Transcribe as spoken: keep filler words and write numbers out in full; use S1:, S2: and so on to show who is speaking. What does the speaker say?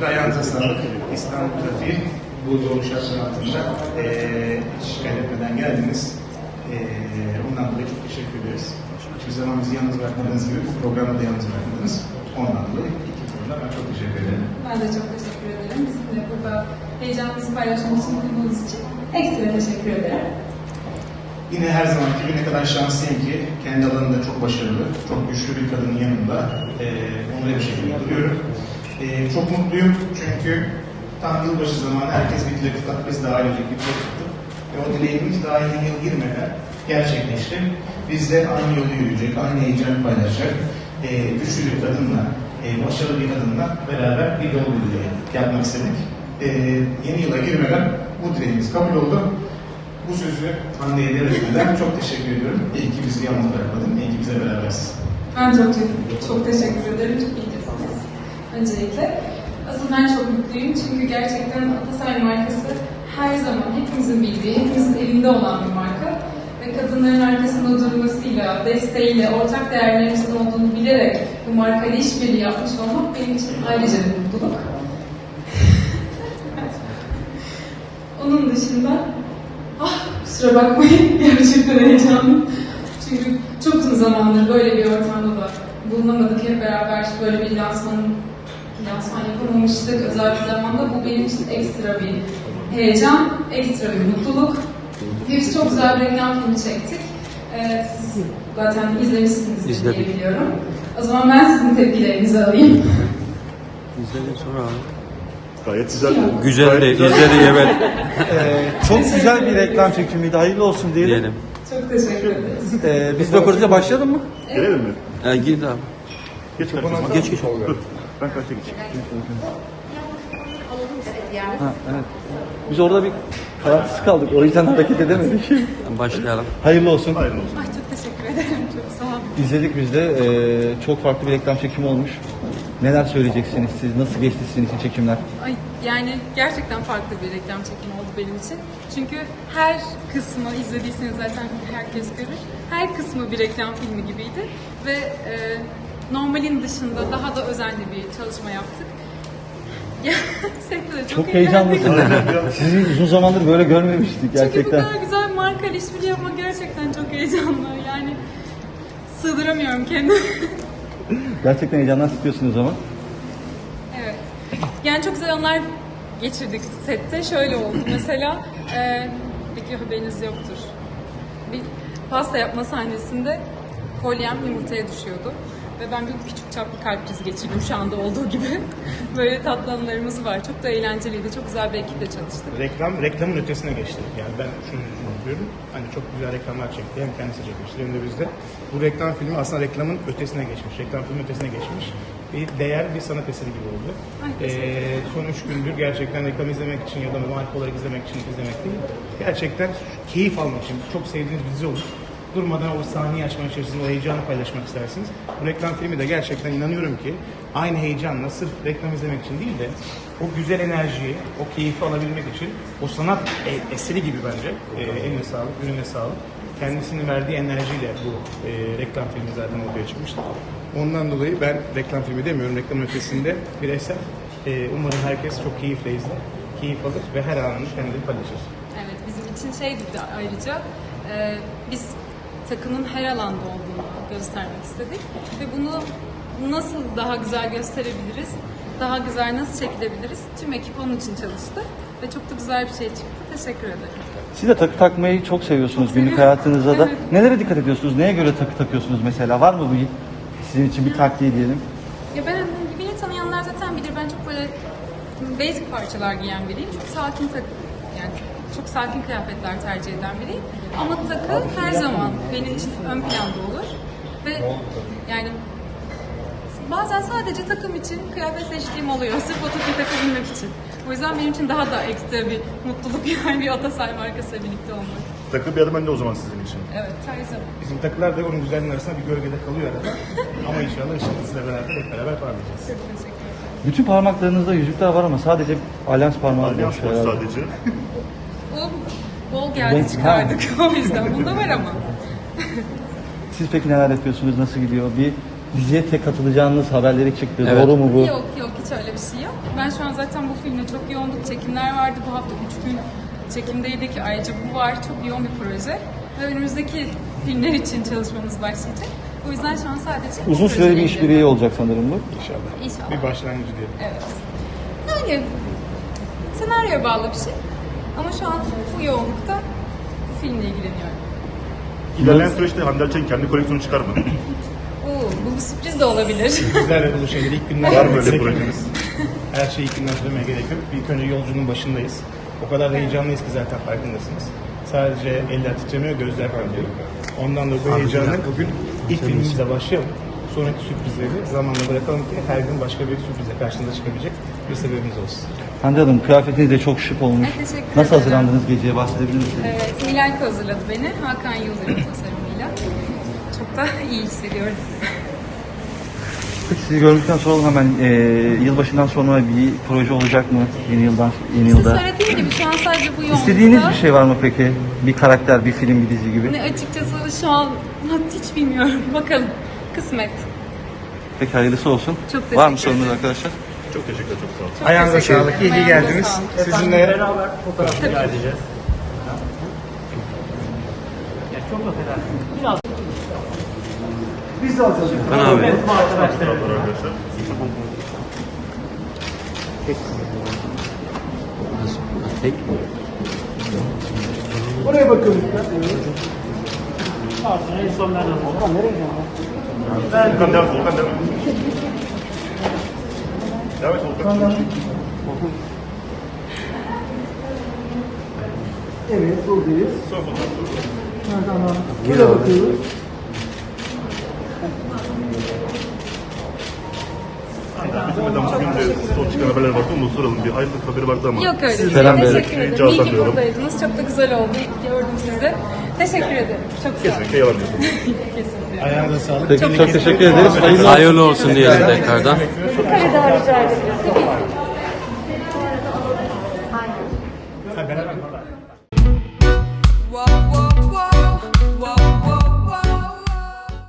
S1: teşekkürler. Ayağınıza sağlık. İstanbul trafiği bu zor şartlar altında e, hiç kaybetmeden geldiniz. E, ondan dolayı çok teşekkür ederiz. Hiçbir zaman bizi yalnız bırakmadığınız gibi bu programda da yalnız bırakmadınız. Ondan dolayı iki turda ben çok teşekkür ederim.
S2: Ben de çok teşekkür ederim. Bizimle burada heyecanınızı paylaşmak için bulunduğunuz için ekstra teşekkür ederim.
S1: Yine her zamanki gibi ne kadar şanslıyım ki kendi alanında çok başarılı, çok güçlü bir kadının yanında e, onları bir şekilde duruyorum. E, çok mutluyum çünkü tam yılbaşı zamanı herkes bir dilek tutar, biz de ailecek bir dilek tuttuk. Ve o dileğimiz daha yeni yıl girmeden gerçekleşti. Biz de aynı yolu yürüyecek, aynı heyecanı paylaşacak, e, güçlü bir kadınla, e, başarılı bir kadınla beraber bir yol dileği yapmak istedik. E, yeni yıla girmeden bu dileğimiz kabul oldu. Bu sözü Hande'ye devretmeden çok teşekkür ediyorum. İyi ki bizi yalnız bırakmadın, iyi ki bize berabersin.
S2: Ben çok çok, çok teşekkür ederim. Çok iyi kesiniz. Öncelikle. Asıl ben çok mutluyum çünkü gerçekten Atasay markası her zaman hepimizin bildiği, hepimizin elinde olan bir marka. Ve kadınların arkasında durmasıyla, desteğiyle, ortak değerlerimizin olduğunu bilerek bu markayla işbirliği yapmış olmak benim için ayrıca bir mutluluk. Onun dışında ah, kusura bakmayın, gerçekten heyecanlıyım. Çünkü çok uzun zamandır böyle bir ortamda da bulunamadık hep beraber böyle bir lansman, lansman yapamamıştık özel bir zamanda. Bu benim için ekstra bir heyecan, ekstra bir mutluluk. Biz çok güzel bir reklam filmi çektik. Ee, siz zaten izlemişsinizdir diye biliyorum. O zaman ben sizin tepkilerinizi alayım.
S3: İzledim sonra abi.
S4: Gayet güzel.
S3: Güzeldi, izledik evet.
S5: Ee, çok güzel bir reklam çekimiydi. Hayırlı olsun diyelim.
S3: Diyelim.
S2: Çok teşekkür ederiz.
S5: Ee, biz röportaja başlayalım mı?
S4: Gelelim mi?
S3: Ha, girdi abi.
S4: Geç kardeşim.
S3: Geç geç.
S4: Dur. Ben karşıya geçeyim.
S5: Ha, evet. Biz orada bir kararsız kaldık. O yüzden hareket edemedik.
S3: Başlayalım.
S5: Hayırlı olsun.
S4: Hayırlı olsun.
S2: Ay çok teşekkür ederim. Çok sağ olun.
S5: İzledik biz de. Ee, çok farklı bir reklam çekimi olmuş. Neler söyleyeceksiniz siz? Nasıl geçti sizin için çekimler?
S6: Ay, yani gerçekten farklı bir reklam çekimi oldu benim için. Çünkü her kısmı izlediyseniz zaten herkes görür. Her kısmı bir reklam filmi gibiydi. Ve e, normalin dışında daha da özenli bir çalışma yaptık. Ya, sette de çok,
S5: Çok
S6: eğlendik.
S5: heyecanlısınız. Sizi uzun zamandır böyle görmemiştik
S6: Çünkü bu
S5: gerçekten.
S6: kadar güzel marka işbirliği yapmak gerçekten çok heyecanlı. Yani sığdıramıyorum kendimi.
S5: Gerçekten heyecandan tutuyorsunuz ama.
S6: Evet. Yani çok güzel anlar geçirdik sette. Şöyle oldu mesela, e, belki haberiniz yoktur. Bir pasta yapma sahnesinde kolyem yumurtaya düşüyordu. Ve ben bir küçük çaplı kalp krizi geçirdim şu anda olduğu gibi. Böyle tatlı anılarımız var. Çok da eğlenceliydi. Çok güzel bir ekiple çalıştık.
S1: Reklam, reklamın ötesine geçti. Yani ben şunu düşünüyorum. Hani çok güzel reklamlar çekti. Hem kendisi çekmişti hem de bizde. Bu reklam filmi aslında reklamın ötesine geçmiş. Reklam filmi ötesine geçmiş. Bir değer, bir sanat eseri gibi oldu.
S6: Ay,
S1: Ee, son üç gündür gerçekten reklam izlemek için ya da marka olarak izlemek için izlemek değil. Gerçekten keyif almak için. Çok sevdiğiniz bir dizi olur. Durmadan o sahneyi açmak içerisinde o heyecanı paylaşmak istersiniz. Bu reklam filmi de gerçekten inanıyorum ki aynı heyecanla sırf reklam izlemek için değil de o güzel enerjiyi, o keyfi alabilmek için o sanat e- eseri gibi bence. E, eline sağlık, ürüne sağlık. Kendisinin verdiği enerjiyle bu e, reklam filmi zaten ortaya çıkmıştı. Ondan dolayı ben reklam filmi demiyorum, reklamın ötesinde bir eser. E, umarım herkes çok keyifle izler, keyif alır ve her anını kendini paylaşır.
S6: Evet, bizim için şeydi de ayrıca, e, biz takımın her alanda olduğunu göstermek istedik. Ve bunu nasıl daha güzel gösterebiliriz, daha güzel nasıl çekilebiliriz, tüm ekip onun için çalıştı. Ve çok da güzel bir şey çıktı. Teşekkür ederim.
S5: Siz de takı takmayı çok seviyorsunuz
S6: Çok
S5: günlük
S6: seviyorum.
S5: hayatınızda da.
S6: Evet.
S5: Nelere dikkat ediyorsunuz? Neye göre takı takıyorsunuz mesela? Var mı bu sizin için bir taktiği diyelim?
S6: Ya ben beni tanıyanlar zaten bilir, ben çok böyle basic parçalar giyen biriyim. Çok sakin takı, yani çok sakin kıyafetler tercih eden biriyim. Ama takı her zaman benim için ön planda olur. Ve yani bazen sadece takım için kıyafet seçtiğim oluyor. Sırf o takıyı takabilmek için. O yüzden benim için daha da ekstra bir mutluluk, yani bir Atasay markasıyla birlikte olmak.
S4: Takı bir adım önde o zaman sizin için.
S6: Evet, her zaman.
S1: Bizim takılar da onun güzelliğinin arasında bir gölgede kalıyor arada. Ama inşallah ışıltısıyla beraber hep beraber parlayacağız.
S6: Çok teşekkür ederim.
S5: Bütün parmaklarınızda yüzükler var ama sadece alyans parmağı
S4: Alyans
S5: boş
S4: var
S5: herhalde.
S4: sadece.
S6: O bol geldi çıkardık o yüzden. Bunda var ama.
S5: Siz peki neler yapıyorsunuz? Nasıl gidiyor? Bir diziye tek katılacağınız haberleri çıktı.
S3: Evet.
S5: Doğru mu bu?
S6: Yok yok, Hiç öyle bir şey yok. Ben şu an zaten bu filmle çok yoğunduk. Çekimler vardı. Bu hafta üç gün çekimdeydik. Ayrıca bu var. Çok yoğun bir proje. Ve önümüzdeki filmler için çalışmamız başlayacak. O yüzden şu an sadece bu
S5: Uzun süreli bir
S6: projeyle
S5: işbirliği
S6: ilgileniyorum.
S5: olacak sanırım bu.
S1: İnşallah.
S6: İnşallah.
S1: Bir başlangıcı diyelim.
S6: Evet. Yani senaryoya bağlı bir şey. Ama şu an bu yoğunlukta bu filmle ilgileniyorum.
S4: İlerleyen süreçte Hande Erçel'in kendi koleksiyonu çıkar mı?
S6: Oo, bu bir sürpriz de olabilir.
S1: Bizlerle buluşabilir. İlk günden
S4: Var mı öyle
S1: Sürekli-
S4: projeniz?
S1: Her şeyi ilk günden söylemeye gerek yok. İlk önce yolculuğun başındayız. O kadar da heyecanlıyız ki zaten farkındasınız. Sadece eller titremiyor, gözler parlıyor. Ondan da bu heyecanla bugün ilk filmimizle başlayalım. Sonraki sürprizleri zamanla bırakalım ki her gün başka bir sürprize karşınıza çıkabilecek bir sebebimiz olsun.
S5: Hande Hanım kıyafetiniz de çok şık olmuş.
S6: Ay, teşekkür
S5: Nasıl
S6: ederim.
S5: hazırlandınız geceye bahsedebilir misiniz?
S6: Evet, Milenko hazırladı beni. Hakan Yıldırım tasarımıyla. Çok da iyi hissediyorum.
S5: Peki sizi gördükten sonra hemen e, yılbaşından sonra bir proje olacak mı? Yeni yıldan yeni
S6: Siz
S5: yılda.
S6: söylediğim gibi şu an sadece bu yoğunlukta.
S5: İstediğiniz bir şey var mı peki? Bir karakter, bir film, bir dizi gibi.
S6: Ne açıkçası şu an hiç bilmiyorum. Bakalım. Kısmet.
S5: Peki hayırlısı olsun.
S6: Çok teşekkür
S5: Var mı sorunuz
S6: ederim.
S5: arkadaşlar?
S4: Çok teşekkürler, çok sağ olun.
S6: Çok
S1: Ayağınıza
S6: teşekkür
S1: sağlık, iyi
S6: ederim.
S1: ki
S6: Ayağınıza
S1: geldiniz.
S6: sağlık.
S1: Sizinle
S7: Beraber fotoğraf rica edeceğiz. Biz de alacağız.
S3: Ben abi.
S7: Evet, bu arkadaşlar.
S4: Fotoğraflar arkadaşlar.
S3: Tek.
S7: Oraya bakıyoruz. Pardon, en son nereden oldu? Nereye gidiyorsun?
S4: Volkan devam et, Volkan devam et. Devam et Volkan.
S7: Evet, buradayız.
S4: Son fotoğraf.
S7: Tamam. Buraya bakıyoruz.
S4: Bitirmeden bugün de son çıkan haberler vardı, onu da soralım. Bir ayrılık haberi vardı ama.
S6: Yok öyle bir şey.
S5: Selam Bey.
S6: Teşekkür ederim.
S4: Cevap
S6: İyi ki
S4: alıyorum.
S6: buradaydınız. Çok da güzel oldu. İyi ki gördüm sizi. Teşekkür ederim. Çok sağ olun.
S4: Kesinlikle yalan diyorsun.
S6: Kesinlikle.
S1: Ayağınıza sağlık.
S5: Peki,
S1: Birlikte-
S5: çok teşekkür ederiz. Hayırlı
S3: Hayırlı olsun diyelim tekrardan.
S6: Bir kare daha rica edebilirim.
S1: Ha, beraber.